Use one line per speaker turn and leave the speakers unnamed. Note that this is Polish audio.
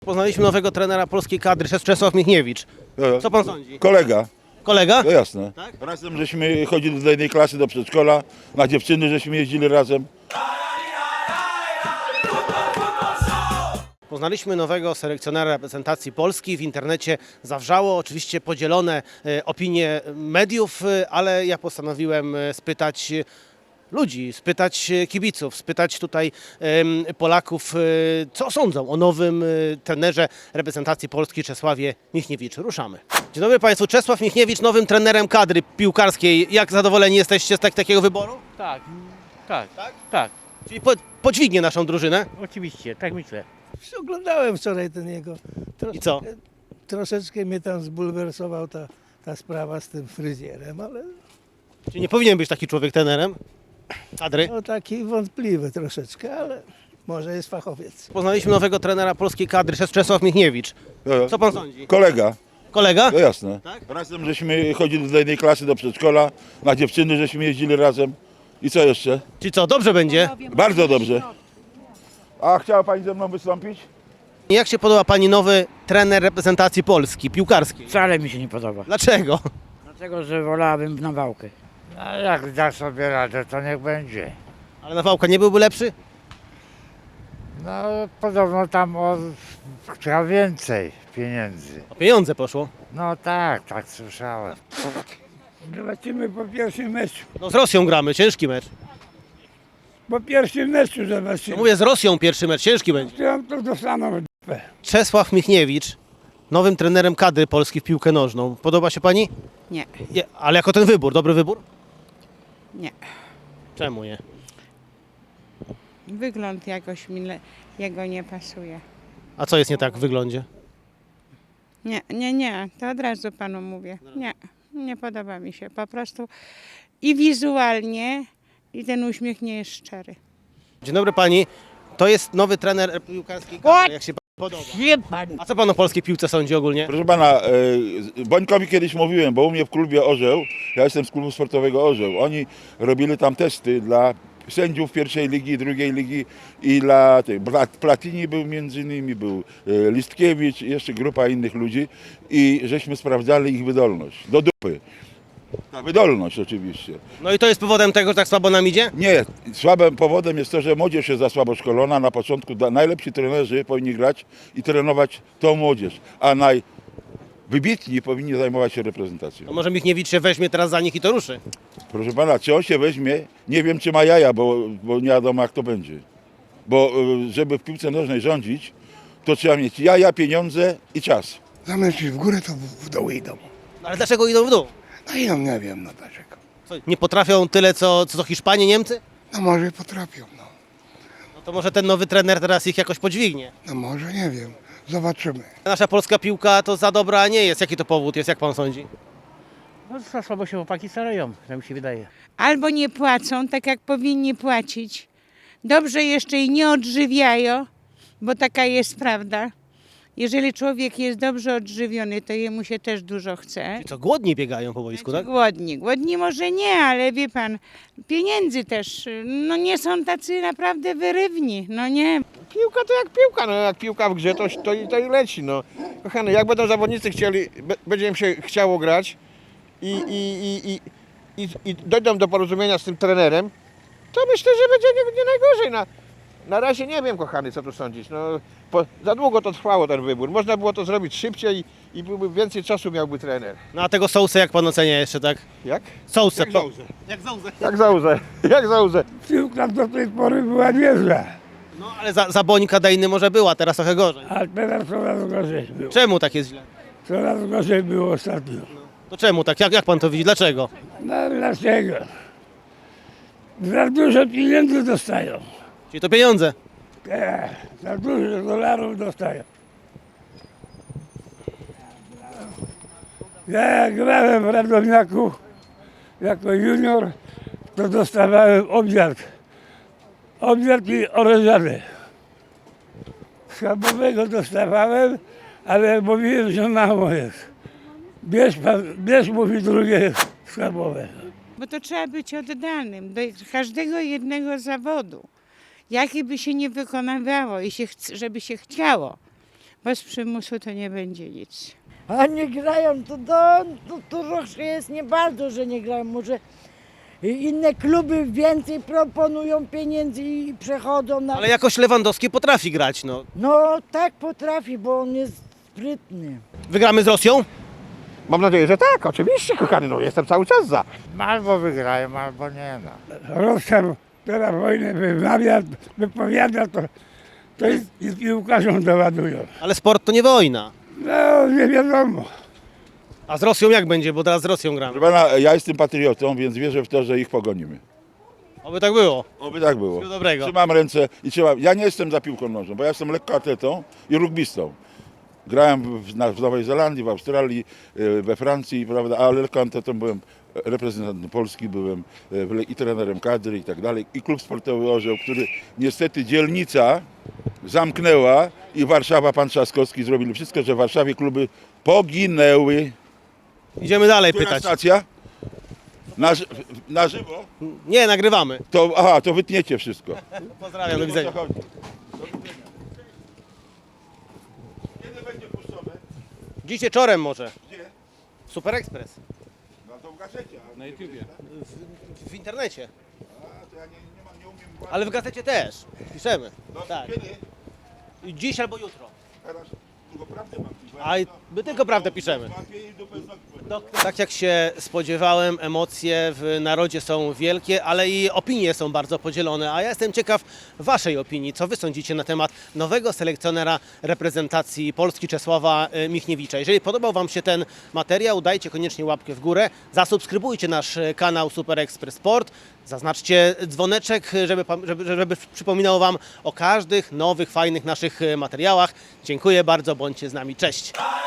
Poznaliśmy nowego trenera polskiej kadry, Czesław Michniewicz. Co pan sądzi?
Kolega,
Kolega?
no jasne.
Tak?
Razem żeśmy chodzili do jednej klasy, do przedszkola, na dziewczyny żeśmy jeździli razem.
Poznaliśmy nowego selekcjonera reprezentacji Polski. W internecie zawrzało oczywiście podzielone opinie mediów, ale ja postanowiłem spytać ludzi, spytać kibiców, spytać tutaj Polaków, co sądzą o nowym trenerze reprezentacji Polski Czesławie Michniewiczu. Ruszamy. Dzień dobry Państwu, Czesław Michniewicz, nowym trenerem kadry piłkarskiej. Jak zadowoleni jesteście z takiego wyboru?
Tak,
Tak?
tak,
Czyli podźwignie naszą drużynę.
oczywiście, tak myślę.
Oglądałem wczoraj ten jego.
I co?
Troszeczkę mnie tam zbulwersował ta sprawa z tym fryzjerem, ale
Czyli nie powinien być taki człowiek trenerem kadry?
no taki wątpliwy troszeczkę, ale może jest fachowiec.
Poznaliśmy nowego trenera polskiej kadry, Czesław Michniewicz. Co pan sądzi?
Kolega,
Kolega?
no jasne.
Tak?
Razem żeśmy chodzili do jednej klasy, do przedszkola, na dziewczyny żeśmy jeździli razem. I co jeszcze?
Czyli co, dobrze będzie?
Bardzo dobrze. A chciała pani ze mną wystąpić?
Jak się podoba pani nowy trener reprezentacji Polski, piłkarskiej?
Wcale mi się nie podoba.
Dlaczego?
Dlatego, że wolałabym na wałkę.
A jak da sobie radę, to niech będzie.
Ale Nawałka nie byłby lepszy?
No podobno tam chciał więcej pieniędzy.
O pieniądze poszło.
No tak słyszałem.
Zobaczymy po pierwszym meczu.
No z Rosją gramy, ciężki mecz.
Po pierwszym meczu
No
zobaczymy.
mówię, z Rosją pierwszy mecz, ciężki będzie.
To dostaną w dupę.
Czesław Michniewicz, nowym trenerem kadry Polski w piłkę nożną. Podoba się pani?
Nie,
Nie, ale jako ten wybór, dobry wybór?
nie.
Czemu nie?
Wygląd jakoś jego nie pasuje.
A co jest nie tak w wyglądzie?
Nie, to od razu panu mówię. Nie podoba mi się. Po prostu i wizualnie, i ten uśmiech nie jest szczery.
Dzień dobry pani, to jest nowy trener piłkarskiej kadry, jak się panu podoba. A co pan o polskiej piłce sądzi ogólnie?
Proszę pana, Bońkowi kiedyś mówiłem, bo u mnie w klubie Orzeł, ja jestem z klubu sportowego Orzeł, oni robili tam testy dla sędziów pierwszej ligi, drugiej ligi i dla tych, Platini był między innymi, był Listkiewicz, jeszcze grupa innych ludzi i żeśmy sprawdzali ich wydolność, do dupy. Ta wydolność oczywiście.
No i to jest powodem tego, że tak słabo nam idzie?
Nie, słabym powodem jest to, że młodzież jest za słabo szkolona. Na początku najlepsi trenerzy powinni grać i trenować tą młodzież, a najwybitni powinni zajmować się reprezentacją.
To może Michniewicz się weźmie teraz za nich i to ruszy.
Proszę pana, czy on się weźmie? Nie wiem, czy ma jaja, bo nie wiadomo, jak to będzie. Bo żeby w piłce nożnej rządzić, to trzeba mieć jaja, pieniądze i czas.
Zamiast iść w górę, to w dół idą.
No ale dlaczego idą w dół?
No idą, nie wiem, no dlaczego.
Co, nie potrafią tyle, co Hiszpanie, Niemcy?
No może i potrafią, no.
No to może ten nowy trener teraz ich jakoś podźwignie.
No może, nie wiem. Zobaczymy.
Nasza polska piłka to za dobra nie jest. Jaki to powód jest, jak pan sądzi?
No za słabo się chłopaki starają, tak mi się wydaje.
Albo nie płacą tak, jak powinni płacić. Dobrze jeszcze i nie odżywiają, bo taka jest prawda. Jeżeli człowiek jest dobrze odżywiony, to jemu się też dużo chce.
I co, głodni biegają po boisku, tak?
Głodni może nie, ale wie pan, pieniędzy też, no nie są tacy naprawdę wyrywni, no nie.
Piłka to jak piłka, no jak piłka w grze, to i leci, no. Kochany, jak będą zawodnicy chcieli, będzie im się chciało grać i dojdą do porozumienia z tym trenerem, to myślę, że będzie nie najgorzej. Na razie nie wiem, kochany, co tu sądzisz, no. Za długo to trwało ten wybór, można było to zrobić szybciej i byłby więcej czasu miałby trener.
No a tego Sousę jak pan ocenia jeszcze, tak?
Jak?
Sousę.
Jak Sousę.
Jak Sousę.
Piłka do tej pory była niezła,
No ale za Bońka Dejny może była, teraz trochę gorzej.
a teraz coraz gorzej było.
Czemu tak jest źle?
Coraz gorzej było ostatnio.
To czemu tak? Jak pan to widzi? Dlaczego?
No dlaczego? Za dużo pieniędzy dostają.
Czyli to pieniądze.
Za dużo dolarów dostają. Ja jak grałem w Radomiaku jako junior, to dostawałem obiad. Obiad i orężadę. Schabowego dostawałem, ale mówiłem, że mało jest. Bierz mówi drugie schabowe.
Bo to trzeba być oddanym do każdego jednego zawodu. Jaki by się nie wykonywało i żeby się chciało. Bez przymusu to nie będzie nic.
A nie grają, to troszkę jest nie bardzo, że nie grają. Może inne kluby więcej proponują pieniędzy i przechodzą na...
Ale jakoś Lewandowski potrafi grać, no.
No tak potrafi, bo on jest sprytny.
Wygramy z Rosją?
Mam nadzieję, że tak, oczywiście, kochany, no jestem cały czas za.
Albo wygrają, albo nie, no.
Rosja teraz wojnę wypowiada, to i piłkarzom doładują.
Ale sport to nie wojna.
No, nie wiadomo.
A z Rosją jak będzie, bo teraz z Rosją gramy.
Proszę pana, ja jestem patriotą, więc wierzę w to, że ich pogonimy.
Oby tak było.
Oby tak było.
Wszystkiego dobrego.
Trzymam ręce i trzymam. Ja nie jestem za piłką nożną, bo ja jestem lekkoatletą i rugbistą. Grałem w Nowej Zelandii, w Australii, we Francji, prawda, ale lekkoatletą byłem reprezentantem Polski, byłem i trenerem kadry i tak dalej. I klub sportowy Orzeł, który niestety dzielnica zamknęła i Warszawa, pan Trzaskowski zrobili wszystko, że w Warszawie kluby poginęły.
Idziemy dalej
Która
pytać.
stacja? Na żywo?
Nie, nagrywamy.
To wytniecie wszystko.
Pozdrawiam, do widzenia.
O co chodzi? Do widzenia. Kiedy będzie puszczone?
Dziś wieczorem może.
Gdzie?
Super Express.
No to w gazecie. Na YouTubie.
W internecie.
A, to ja nie umiem...
Ale w gazecie też. Piszemy.
No,
Tak.
kiedy?
Dziś albo jutro.
Teraz tylko prawdę mam.
A my tylko prawdę piszemy.
Złapię i dupę z nogi.
Tak jak się spodziewałem, emocje w narodzie są wielkie, ale i opinie są bardzo podzielone. A ja jestem ciekaw Waszej opinii. Co Wy sądzicie na temat nowego selekcjonera reprezentacji Polski Czesława Michniewicza? Jeżeli podobał Wam się ten materiał, dajcie koniecznie łapkę w górę, zasubskrybujcie nasz kanał Super Express Sport, zaznaczcie dzwoneczek, żeby przypominał Wam o każdych nowych, fajnych naszych materiałach. Dziękuję bardzo, bądźcie z nami. Cześć!